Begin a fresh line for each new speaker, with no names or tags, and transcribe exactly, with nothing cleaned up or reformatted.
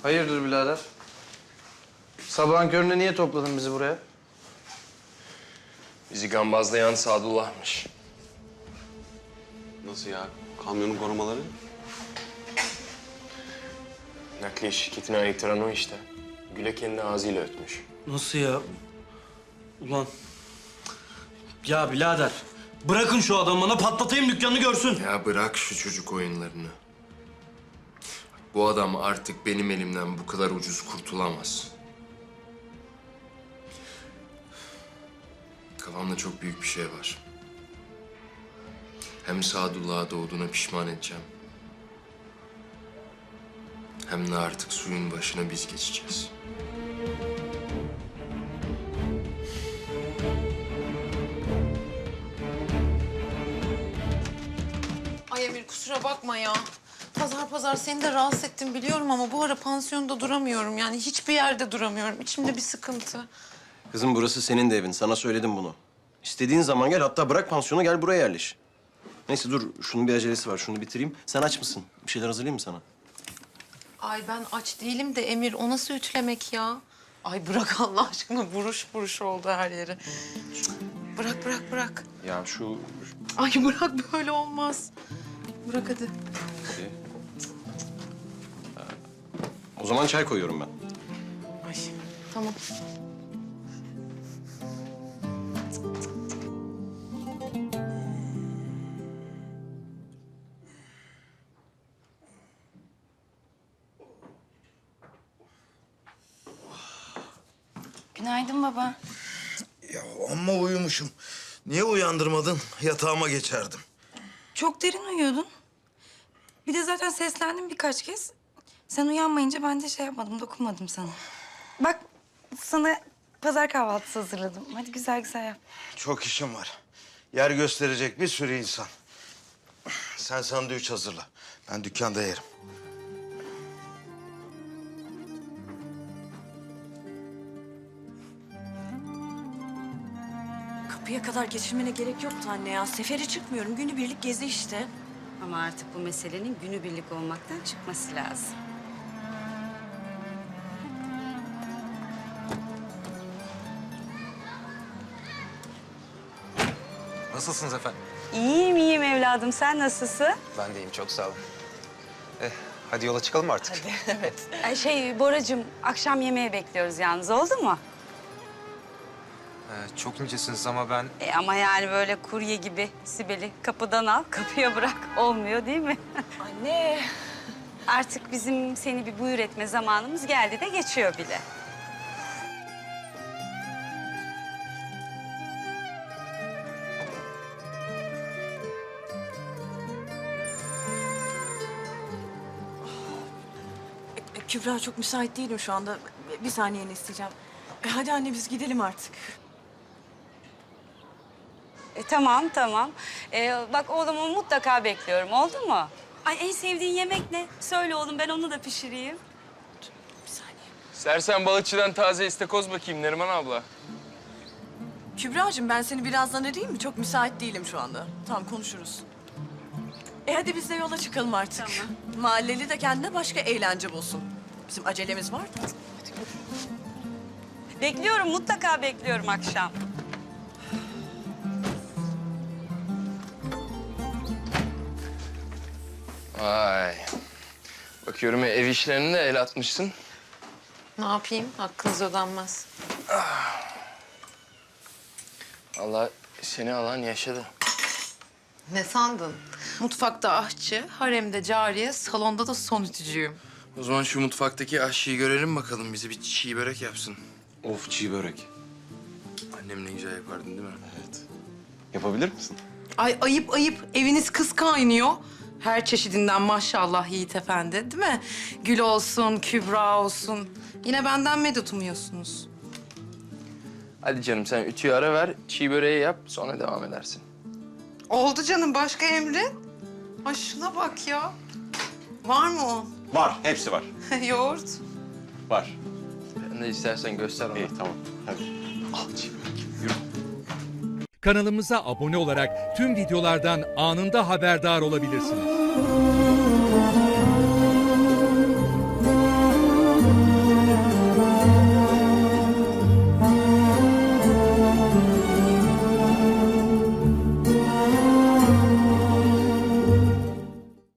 Hayırdır birader? Sabahın köründe niye topladın bizi buraya?
Bizi gambazlayan Sadullah'mış.
Nasıl ya? Kamyonun korumaları?
Nakliye şirketine ayıttıran o işte. Gül'e kendi ağzıyla ötmüş.
Nasıl ya? Ulan. Ya birader, bırakın şu adamı bana, patlatayım dükkanını görsün.
Ya bırak şu çocuk oyunlarını. Bu adam artık benim elimden bu kadar ucuz kurtulamaz. Kafamda çok büyük bir şey var. Hem Sadullah'a doğduğuna pişman edeceğim. Hem de artık suyun başına biz geçeceğiz.
Ay Emir kusura bakma ya. Pazar pazar seni de rahatsız ettim biliyorum ama bu ara pansiyonda duramıyorum. Yani hiçbir yerde duramıyorum. İçimde bir sıkıntı.
Kızım burası senin de evin. Sana söyledim bunu. İstediğin zaman gel. Hatta bırak pansiyonu gel buraya yerleş. Neyse dur. Şunun bir acelesi var. Şunu bitireyim. Sen aç mısın? Bir şeyler hazırlayayım mı sana?
Ay ben aç değilim de Emir o nasıl ütülemek ya? Ay bırak Allah aşkına buruş buruş oldu her yeri. Bırak bırak bırak.
Ya şu...
Ay bırak böyle olmaz. Bırak hadi.
Hadi. O zaman çay koyuyorum ben.
Ay tamam.
Günaydın baba.
Ya amma uyumuşum. Niye uyandırmadın? Yatağıma geçerdim.
Çok derin uyuyordun. Bir de zaten seslendim birkaç kez. Sen uyanmayınca ben de şey yapmadım, dokunmadım sana. Bak sana pazar kahvaltısı hazırladım. Hadi güzel güzel yap.
Çok işim var. Yer gösterecek bir sürü insan. Sen sandviç hazırla. Ben dükkanda yerim.
Kapıya kadar geçirmene gerek yoktu anne ya. Sefere çıkmıyorum. Günübirlik gezi işte.
Ama artık bu meselenin günübirlik olmaktan çıkması lazım.
Nasılsınız efendim?
İyiyim iyiyim evladım. Sen nasılsın?
Ben de iyiyim, çok sağ olun. Eh, hadi yola çıkalım mı artık?
Hadi, evet.
Ay şey Boracığım, akşam yemeğe bekliyoruz yalnız. Oldu mu?
Ee, çok incesiniz ama ben...
E ama yani böyle kurye gibi Sibel'i kapıdan al, kapıya bırak. Olmuyor değil mi?
Anne.
Artık bizim seni bir buyur etme zamanımız geldi de geçiyor bile.
E, Kübra çok müsait değilim şu anda. Bir saniyeni isteyeceğim. E, hadi anne biz gidelim artık.
E, tamam tamam. E, bak oğlumu mutlaka bekliyorum. Oldu mu? Ay en sevdiğin yemek ne? Söyle oğlum, ben onu da pişireyim.
Bir saniye.
Sersen balıkçıdan taze istakoz bakayım Neriman abla.
Kübra'cığım ben seni birazdan arayayım mı? Çok müsait değilim şu anda. Tamam konuşuruz. E hadi biz de yola çıkalım artık.
Tamam.
Mahalleli de kendine başka eğlence bulsun. Bizim acelemiz var da.
Bekliyorum, mutlaka bekliyorum akşam.
Vay. Bakıyorum ev işlerine de el atmışsın.
Ne yapayım? Hakkınız ödenmez.
Allah seni alan yaşadı.
Ne sandın? Mutfakta aşçı, haremde cariye, salonda da son ütücüyüm.
O zaman şu mutfaktaki aşçıyı görelim bakalım. Bize bir çiğ börek yapsın.
Of çiğ börek.
Annem ne güzel yapardın değil mi?
Evet. Yapabilir misin?
Ay ayıp ayıp. Eviniz kız kaynıyor. Her çeşidinden maşallah Yiğit Efendi değil mi? Gül olsun, Kübra olsun. Yine benden medet umuyorsunuz.
Hadi canım sen ütüyü ara ver, çiğ böreği yap, sonra devam edersin.
Oldu canım. Başka emrin? Ay şuna bak ya. Var mı o?
Var. Hepsi var.
Yoğurt.
Var.
Ben de istersen göster ona.
İyi tamam. Hadi. Al çiğ börek. Yürü.
Kanalımıza abone olarak tüm videolardan anında haberdar olabilirsiniz.